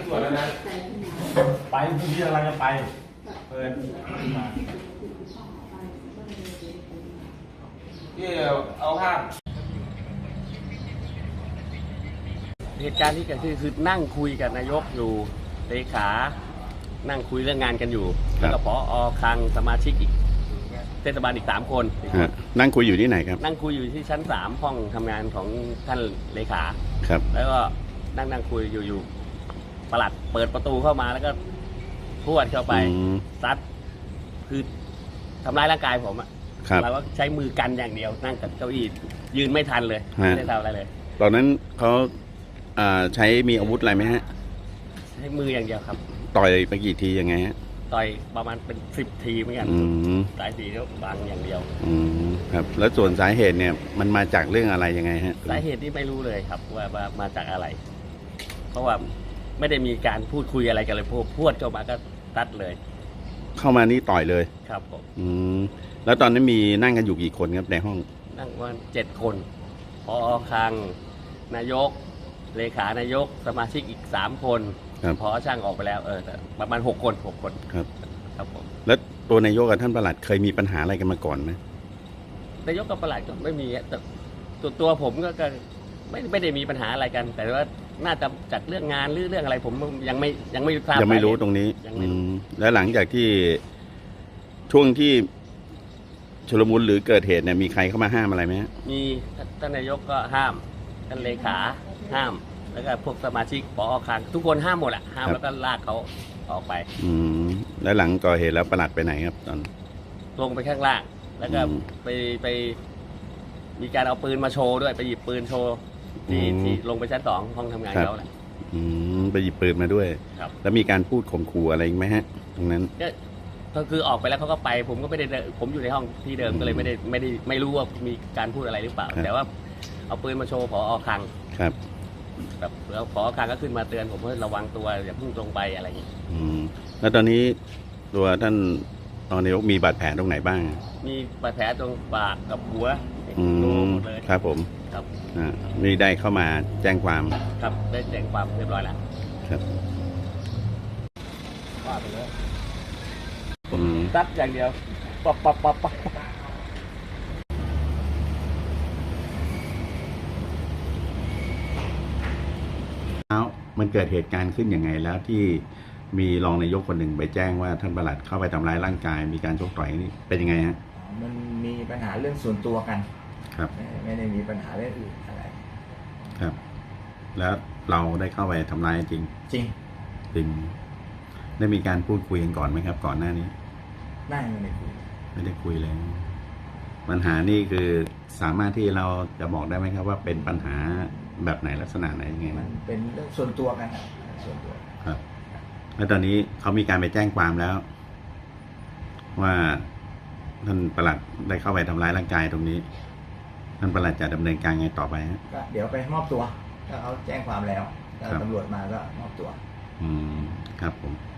ตรวจแล้วนะไปพรุ่งนี้กำลังจะไปเปิดมาที่เอาภาพเหตุการณ์ที่เกิดขึ้นคือนั่งคุยกับนายกอยู่เลขานั่งคุยเรื่องงานกันอยู่แล้วก็ผอ.คลังสมาชิกอีกเทศบาลอีก3 คนนั่งคุยอยู่ที่ไหนครับนั่งคุยอยู่ที่ชั้น3ห้องทำงานของท่านเลขาครับแล้วก็นั่งคุยอยู่ปลัดเปิดประตูเข้ามาแล้วก็พรวดเข้าไปซัดคือทำร้ายร่างกายผมอะเราก็ใช้มือกันอย่างเดียวนั่งกับเก้าอี้ยืนไม่ทันเลยไม่ได้ทำอะไรเลยตอนนั้นเขาใช้มีอาวุธอะไรไหมฮะใช้มืออย่างเดียวครับต่อยไปกี่ทียังไงฮะต่อยประมาณเป็น10 ทีเหมือนกันสายสีแล้วบางอย่างเดียวครับแล้วส่วนสาเหตุเนี่ยมันมาจากเรื่องอะไรยังไงฮะสาเหตุที่ไม่รู้เลยครับว่ามาจากอะไรเพราะว่าไม่ได้มีการพูดคุยอะไรกันเลยพูดเข้ามาก็ตัดเลยเข้ามานี่ต่อยเลยครับผมแล้วตอนนั้นมีนั่งกันอยู่กี่คนครับในห้องนั่งวัน7 คนผอ.คลังนายกเลขานายกสมาชิกอีก3 คนผอ.ช่างออกไปแล้วประมาณ6 คนครับผมแล้วตัวนายกกับท่านปลัดเคยมีปัญหาอะไรกันมาก่อนไหมนายกกับปลัดก็ไม่มีแต่ตัวผมก็ไม่ได้มีปัญหาอะไรกันแต่ว่าน่าจะจากเรื่องงานหรือเรื่องอะไรผมยังไม่ทราบยังไม่รู้ตรงนี้แล้วหลังจากที่ช่วงที่ชุลมุนหรือเกิดเหตุเนี่ยมีใครเข้ามาห้ามอะไรไหมมีท่านนายกก็ห้ามท่านเลขาห้ามแล้วก็พวกสมาชิกผอ.คลังทุกคนห้ามหมดแหละห้ามแล้วก็ลากเขาออกไปแล้วหลังก่อเหตุแล้วปลัดไปไหนครับตอนลงไปข้างล่างแล้วก็ไปมีการเอาปืนมาโชว์ด้วยไปหยิบปืนโชว์ที่ลงไปชั้น2ห้องทำงานเขาแหละไปหยิบปืนมาด้วยแล้วมีการพูดข่มขู่อะไรไหมฮะตรงนั้นก็คือออกไปแล้วเขาก็ไปผมก็ไม่ได้ผมอยู่ในห้องที่เดิมก็เลยไม่รู้ว่ามีการพูดอะไรหรือเปล่าแต่ว่าเอาปืนมาโชว์ผอ.คลังครับแบบแล้วผอ.คลังก็ขึ้นมาเตือนผมว่าระวังตัวอย่าเพิ่งลงไปอะไรอย่างนี้แล้วตอนนี้ตัวท่านนายกมีบาดแผลตรงไหนบ้างมีบาดแผลตรงปากกับหัวหมดเลยครับผมครับนี่ได้เข้ามาแจ้งความครับได้แจ้งความเรียบร้อยแล้วครับว่าไปเลยตัดอย่างเดียวปั๊บมันเกิดเหตุการณ์ขึ้นยังไงแล้วที่มีรองนายกคนหนึ่งไปแจ้งว่าท่านปลัดเข้าไปทำร้ายร่างกายมีการชกต่อยนี่เป็นยังไงฮะมันมีปัญหาเรื่องส่วนตัวกันครับไม่ได้มีปัญหาเรื่องอื่นอะไรครับแล้วเราได้เข้าไปทำร้ายจริงได้มีการพูดคุยกันก่อนไหมครับก่อนหน้านี้ไม่ได้คุยเลยปัญหานี่คือสามารถที่เราจะบอกได้ไหมครับว่าเป็นปัญหาแบบไหนลักษณะไหนยังไงมันเป็นเรื่องส่วนตัวกันส่วนตัวครับแล้วตอนนี้เขามีการไปแจ้งความแล้วว่าท่านปลัดได้เข้าไปทำร้ายร่างกายตรงนี้ท่านปลัดจะดำเนินการไงต่อไปฮะก็เดี๋ยวไปมอบตัวถ้าเขาแจ้งความแล้วตำรวจมาก็มอบตัวครับผม